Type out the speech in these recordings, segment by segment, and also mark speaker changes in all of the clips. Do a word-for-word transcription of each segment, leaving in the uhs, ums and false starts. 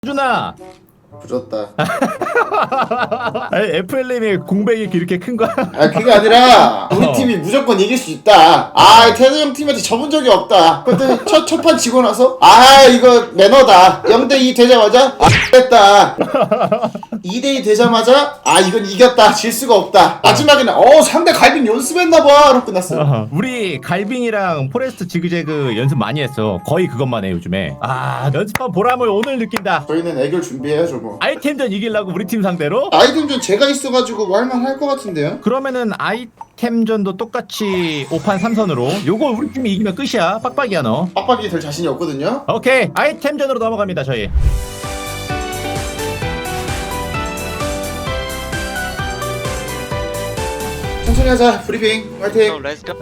Speaker 1: 준아.
Speaker 2: 부졌다.
Speaker 1: 아니, 에프엘님이 공백이 그렇게 큰 거야?
Speaker 2: 아 그게 아니라 우리
Speaker 1: 어.
Speaker 2: 팀이 무조건 이길 수 있다. 아 태도 형 팀한테 져본 적이 없다. 그때 첫 첫 판 지고 나서 아 이거 매너다. 영 대 이 되자마자 아 됐다. 이 대 이 되자마자 아 이건 이겼다. 질 수가 없다. 마지막에는 어 상대 갈빙 연습했나봐. 이러고 끝났어.
Speaker 1: 어. 우리 갈빙이랑 포레스트 지그재그 연습 많이 했어. 거의 그것만 해 요즘에. 아 연습한 보람을 오늘 느낀다.
Speaker 2: 저희는 애결 준비해야죠 뭐.
Speaker 1: 아이템전 이기려고 우리 팀 상대로?
Speaker 2: 아이템전 제가 있어가지고 뭐 할만 할 것 같은데요?
Speaker 1: 그러면은 아이템전도 똑같이 오 판 삼 선으로 요거 우리 팀이 이기면 끝이야. 빡빡이야 너.
Speaker 2: 빡빡이 될 자신이 없거든요.
Speaker 1: 오케이 아이템전으로 넘어갑니다 저희.
Speaker 2: 천천히 하자. 브리핑 화이팅.
Speaker 3: 렛츠고.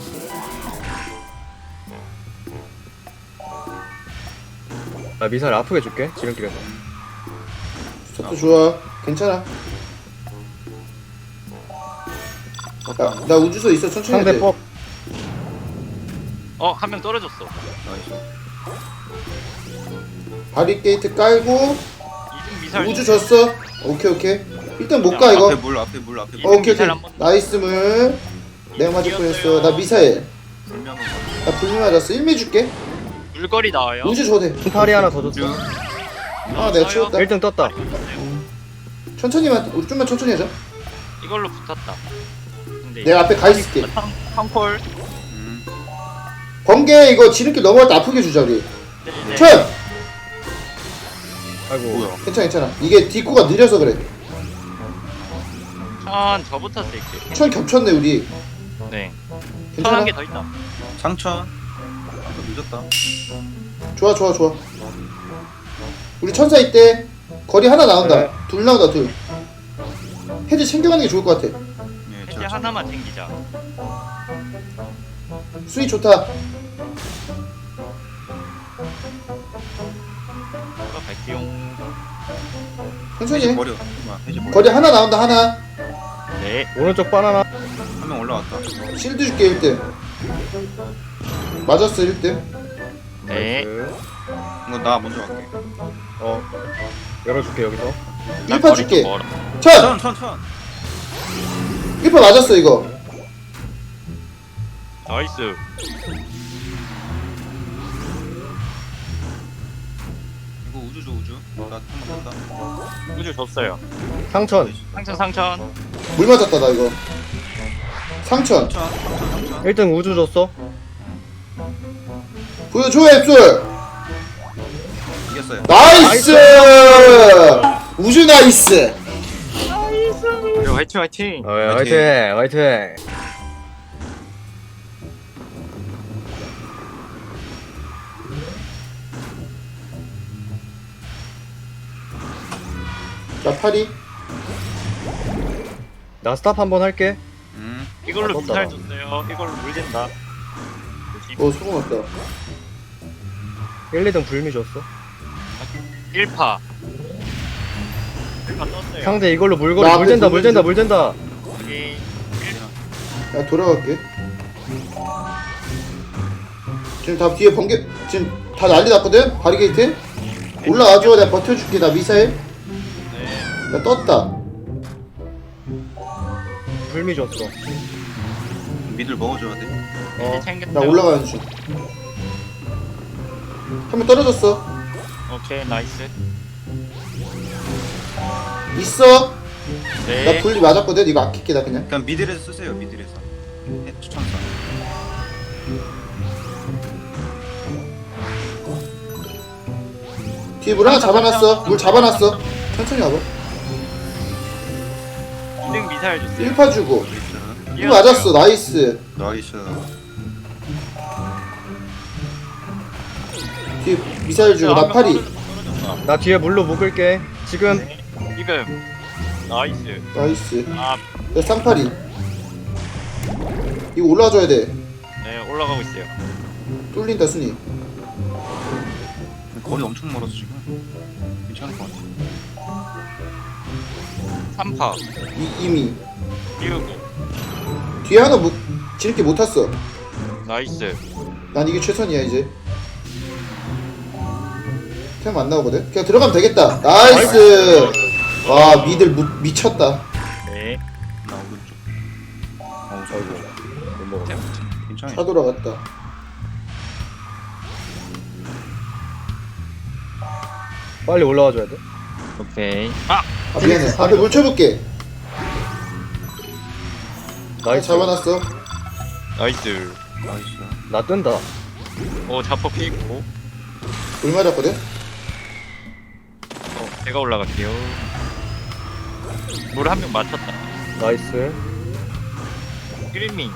Speaker 4: 나 미사일 아프게 줄게 지름길에서.
Speaker 2: 저도 좋아. 괜찮아. 나, 나 우주소 있어. 천천히 해야
Speaker 4: 상대
Speaker 2: 돼.
Speaker 4: 뻑.
Speaker 3: 어, 한 명 떨어졌어.
Speaker 2: 바리게이트 깔고
Speaker 3: 이등 미사일.
Speaker 2: 우주 줬어. 오케이 오케이. 일단 못 가 이거.
Speaker 5: 앞에 물 앞에 물 앞에
Speaker 3: 이-
Speaker 2: 어, 오케이 오케이.
Speaker 3: 미사일 한번-
Speaker 2: 나이스 물. 내가 맞을 뻔했어. 나 미사일.
Speaker 5: 불면은
Speaker 2: 나 불미 맞았어. 일 미 줄게.
Speaker 3: 물거리 나와요.
Speaker 2: 우주 줘도 돼.
Speaker 4: 팔이 하나 더 줬어.
Speaker 2: 아 내가 치웠다.
Speaker 4: 일 등 떴다.
Speaker 2: 천천히만 우리 좀만 천천히 하자.
Speaker 3: 이걸로 붙었다. 근데
Speaker 2: 내가 앞에 가 있을게.
Speaker 3: 펑콜.
Speaker 5: 음.
Speaker 2: 번개 이거 지름길 넘어갈 때 아프게 주자 우리.
Speaker 3: 네,
Speaker 2: 천.
Speaker 4: 아이고.
Speaker 5: 뭐야?
Speaker 2: 괜찮아 괜찮아. 이게 디코가 느려서 그래.
Speaker 3: 천 저부터 쓸게.
Speaker 2: 천 겹쳤네 우리.
Speaker 3: 네. 천
Speaker 2: 괜찮아.
Speaker 3: 한 개 더 있다.
Speaker 5: 상천. 아까 늦었다.
Speaker 2: 좋아 좋아 좋아. 우리 천사 이때 거리 하나 나온다.
Speaker 4: 네.
Speaker 2: 둘 나온다 둘. 헤드 챙겨가는 게 좋을 것 같아.
Speaker 5: 예,
Speaker 3: 해제
Speaker 5: 제가
Speaker 3: 하나만 챙기자.
Speaker 2: 수위 좋다.
Speaker 3: 이거 갈게용.
Speaker 2: 천천히
Speaker 5: 해제
Speaker 2: 해.
Speaker 5: 머리 뭐야? 해제 머리.
Speaker 2: 거리 하나 나온다 하나.
Speaker 3: 네.
Speaker 4: 오른쪽 바나나.
Speaker 5: 한 명 올라왔다.
Speaker 2: 실드 줄게 일 등. 맞았어 일 등.
Speaker 3: 네.
Speaker 4: 나이스.
Speaker 5: 이거 나 먼저 갈게.
Speaker 4: 어. 열어줄게 여기서.
Speaker 2: 일 파 줄게.
Speaker 3: 멀어.
Speaker 2: 천!
Speaker 5: 천, 천, 천.
Speaker 2: 일 파 맞았어 이거.
Speaker 3: 나이스.
Speaker 5: 이거 우주 줘 우주. 나 한번 간다.
Speaker 3: 우주 줬어요.
Speaker 4: 상천.
Speaker 3: 상천 상천.
Speaker 2: 물 맞았다 나 이거. 상천.
Speaker 5: 천, 천, 천.
Speaker 4: 일 등 우주 줬어.
Speaker 2: 보여줘 앱술.
Speaker 5: 이겼어요.
Speaker 2: 나이스! 우주 나이스.
Speaker 3: 그리고 화이팅 화이팅.
Speaker 4: 어, 화이팅 화이팅.
Speaker 2: 자 파리.
Speaker 4: 나 스탑 한번 할게.
Speaker 5: 음.
Speaker 3: 이걸로
Speaker 4: 아,
Speaker 3: 미사일
Speaker 4: 떴다.
Speaker 3: 줬어요. 이걸로 물 된다.
Speaker 2: 어 소금 왔다.
Speaker 4: 일, 이 등 불미 줬어.
Speaker 3: 일 파. 일 파 떴어요.
Speaker 4: 상대 이걸로 물거리
Speaker 2: 나
Speaker 4: 물
Speaker 2: 앞에
Speaker 4: 된다 물 된다
Speaker 2: 돌려줘.
Speaker 4: 물 된다.
Speaker 3: 여기
Speaker 2: 야 돌아갈게. 지금 다 뒤에 번개 지금 다 난리 났거든. 바리게이트. 올라와줘. 내가 버텨줄게. 나 미사일.
Speaker 3: 네.
Speaker 2: 나 떴다.
Speaker 4: 불미 줬어.
Speaker 5: 미들 먹어줘야 돼.
Speaker 4: 어.
Speaker 3: 해제 챙겼죠.
Speaker 2: 나 올라가는 중. 한 명 떨어졌어.
Speaker 3: 오케이 나이스.
Speaker 2: 있어.
Speaker 3: 네.
Speaker 2: 나 분리 맞았거든. 이거 아낄게 나 그냥.
Speaker 5: 그냥 미들에서 쓰세요 미들에서. 해 추천사.
Speaker 2: 뒤에 물 하나 잡아놨어. 물 잡아놨어. 천천히 와봐.
Speaker 3: 이등 미사일 줬어요.
Speaker 2: 일 파 주고.
Speaker 5: 나이스.
Speaker 2: 일 맞았어. 나이스.
Speaker 5: 나이스.
Speaker 2: 뒤에 미사일 주고 나 파리.
Speaker 4: 나 뒤에 물로 묶을게. 지금.
Speaker 3: 지금 나이스.
Speaker 2: 나이스.
Speaker 3: 아,
Speaker 2: 야 쌍파리. 이거 올라와줘야 돼.
Speaker 3: 네 올라가고 있어요.
Speaker 2: 뚫린다 순이.
Speaker 5: 거리 엄청 멀어서 지금. 괜찮을 것 같아.
Speaker 3: 삼 파
Speaker 2: 이, 이미.
Speaker 3: 띄우고
Speaker 2: 뒤에 하나 못 지름길 못 탔어.
Speaker 3: 나이스.
Speaker 2: 난 이게 최선이야 이제. 템 안 나오거든. 그냥 들어가면 되겠다. 나이스. 와 미들 무, 미쳤다.
Speaker 3: 네.
Speaker 5: 나 오른쪽. 어, 저
Speaker 4: 아이고 못 먹어.
Speaker 5: 괜찮아.
Speaker 2: 차 돌아갔다.
Speaker 4: 빨리 올라와 줘야 돼.
Speaker 3: 오케이. 아!
Speaker 2: 아 미안해. 앞에 물 쳐볼게.
Speaker 4: 나이스.
Speaker 2: 잡아놨어.
Speaker 3: 나이스.
Speaker 5: 나이스.
Speaker 4: 나 뜬다.
Speaker 3: 오, 자퍼 피고.
Speaker 2: 물 맞았거든.
Speaker 3: 어, 제가 올라갈게요. 물 한 명 맞췄다.
Speaker 4: 나이스.
Speaker 3: 일미.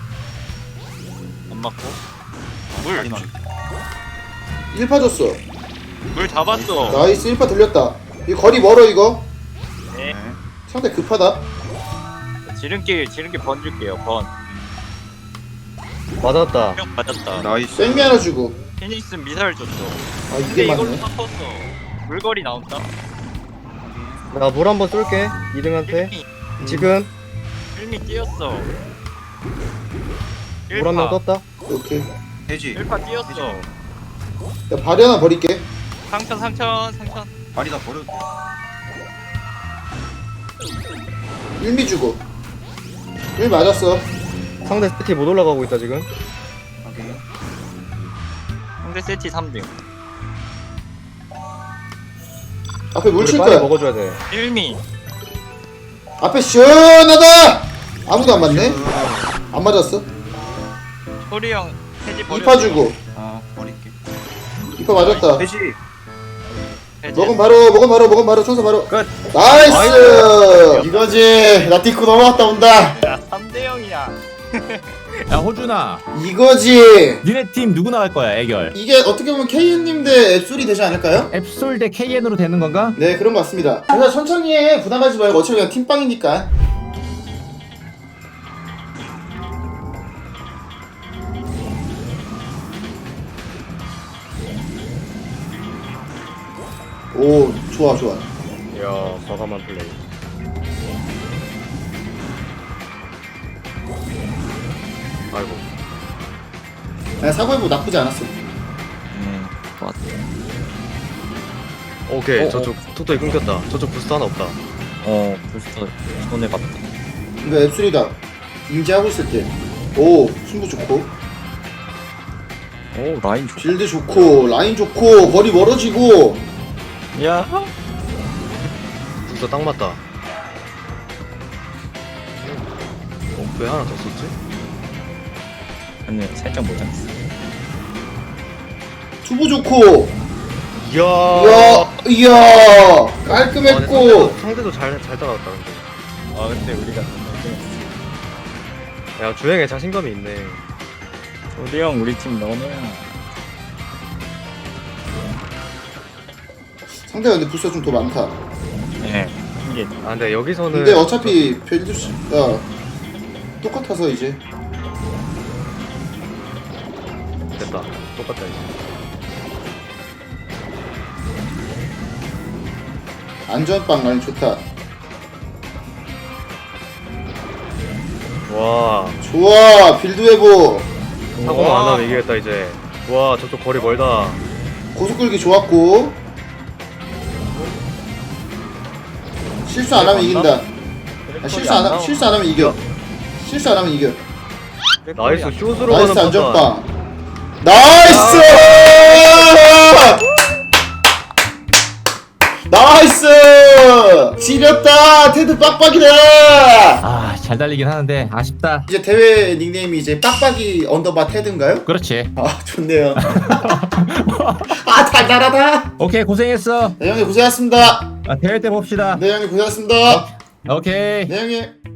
Speaker 3: 안 맞고. 물.
Speaker 5: 다리만.
Speaker 2: 일 파 줬어.
Speaker 3: 물 잡았어.
Speaker 2: 나이스 일 파 들렸다. 이 거리 멀어 이거.
Speaker 3: 네.
Speaker 5: 네.
Speaker 2: 상대 급하다.
Speaker 3: 지름길, 지름길 번줄게요. 번.
Speaker 4: 맞았다.
Speaker 3: 형 맞았다.
Speaker 5: 나이스.
Speaker 2: 땡미 하나 주고.
Speaker 3: 피닉스 미사일 줬어.
Speaker 2: 아
Speaker 3: 근데
Speaker 2: 이게
Speaker 3: 이걸로
Speaker 2: 맞네.
Speaker 3: 섞었어. 물거리 나온다.
Speaker 4: 나 물 한번 쏠게. 이등한테.
Speaker 3: 일미.
Speaker 4: 지금
Speaker 3: 일미 뛰었어.
Speaker 4: 물 한 명 떴다.
Speaker 2: 오케이.
Speaker 5: 해지.
Speaker 3: 일파 뛰었어.
Speaker 2: 야 발이 하나 버릴게.
Speaker 3: 상천, 상천, 상천.
Speaker 5: 발이 다 버려도 돼.
Speaker 2: 일미 주고. 일 맞았어.
Speaker 4: 상대 세티 못 올라가고 있다 지금.
Speaker 5: 확인.
Speaker 3: 상대 세티 삼 등.
Speaker 2: 앞에 물
Speaker 4: 우리
Speaker 2: 칠
Speaker 4: 빨리
Speaker 2: 거야.
Speaker 4: 먹어줘야 돼.
Speaker 3: 일미.
Speaker 2: 앞에 시원하다. 아무도 안 맞네. 안 맞았어.
Speaker 3: 소리 형 세지 버려.
Speaker 2: 이 파 주고.
Speaker 5: 아, 버릴게.
Speaker 2: 이 파 맞았다.
Speaker 5: 해지.
Speaker 2: 먹은 바로 먹은 바로 먹은 바로 쳐서 바로.
Speaker 5: 끝.
Speaker 2: 나이스. 이거지. 나티쿠 넘어갔다 온다.
Speaker 3: 야, 삼 대 영이야.
Speaker 1: 야 호준아,
Speaker 2: 이거지.
Speaker 1: 니네 팀 누구 나갈 거야 애결?
Speaker 2: 이게 어떻게 보면 케이엔님 대 앱솔이 되지 않을까요?
Speaker 1: 앱솔 대 케이엔으로 되는 건가?
Speaker 2: 네 그런 것 같습니다. 그래서 천천히 해. 부담하지 말고 어차피 그냥 팀빵이니까. 오 좋아 좋아.
Speaker 4: 이야 과감한 플레이. 아이고.
Speaker 2: 야, 사고해보고 나쁘지 않았어.
Speaker 3: 음, 좋았어.
Speaker 4: 오케이
Speaker 1: 어,
Speaker 4: 저쪽 토토이 끊겼다. 저쪽 부스트 하나 없다.
Speaker 3: 어, 부스터 손에 봤다.
Speaker 2: 이거 앱솔이다. 인지하고 있을 때. 오 승부 좋고
Speaker 3: 오, 라인 좋.
Speaker 2: 빌드 좋고 라인 좋고 거리 멀어지고.
Speaker 3: 야.
Speaker 4: 부스트 딱 맞다. 어, 왜 하나 더 썼지?
Speaker 3: 아니, 살짝 못 잡았어.
Speaker 2: 투보 좋고.
Speaker 4: 이야.
Speaker 2: 이야 이야
Speaker 4: 아, 근데
Speaker 2: 깔끔했고.
Speaker 4: 상대도, 상대도 잘, 잘 따라갔다 근데.
Speaker 3: 아, 근데 우리가
Speaker 4: 야 주행에 자신감이 있네.
Speaker 3: 우리 형 우리 팀 너무야.
Speaker 2: 상대가 근데 부스가 좀 더 많다.
Speaker 3: 네. 이게
Speaker 4: 아 근데 여기서는
Speaker 2: 근데 어차피 빌드 야 똑같아서 이제.
Speaker 4: 됐다. 똑같다 이제.
Speaker 2: 안전빵 라인 좋다.
Speaker 4: 와
Speaker 2: 좋아 빌드 회복.
Speaker 4: 사고만 안 하면 이기겠다 이제. 와 저쪽 거리 멀다.
Speaker 2: 고속 끌기 좋았고. 실수 안 하면 이긴다. 아, 실수 안 하, 실수 안 하면 이겨. 실수 안 하면 이겨.
Speaker 4: 나이스 슛으로 가는
Speaker 2: 나이스
Speaker 4: 판단.
Speaker 2: 안전빵. 나이스! 나이스! 지렸다! 테드 빡빡이다!
Speaker 1: 아 잘 달리긴 하는데 아쉽다.
Speaker 2: 이제 대회 닉네임이 이제 빡빡이 언더바 테드인가요?
Speaker 1: 그렇지.
Speaker 2: 아 좋네요. 아 달달하다.
Speaker 1: 오케이 고생했어.
Speaker 2: 네 형님 고생하셨습니다.
Speaker 1: 아, 대회 때 봅시다.
Speaker 2: 네 형님 고생하셨습니다.
Speaker 1: 오케이.
Speaker 2: 네 형님.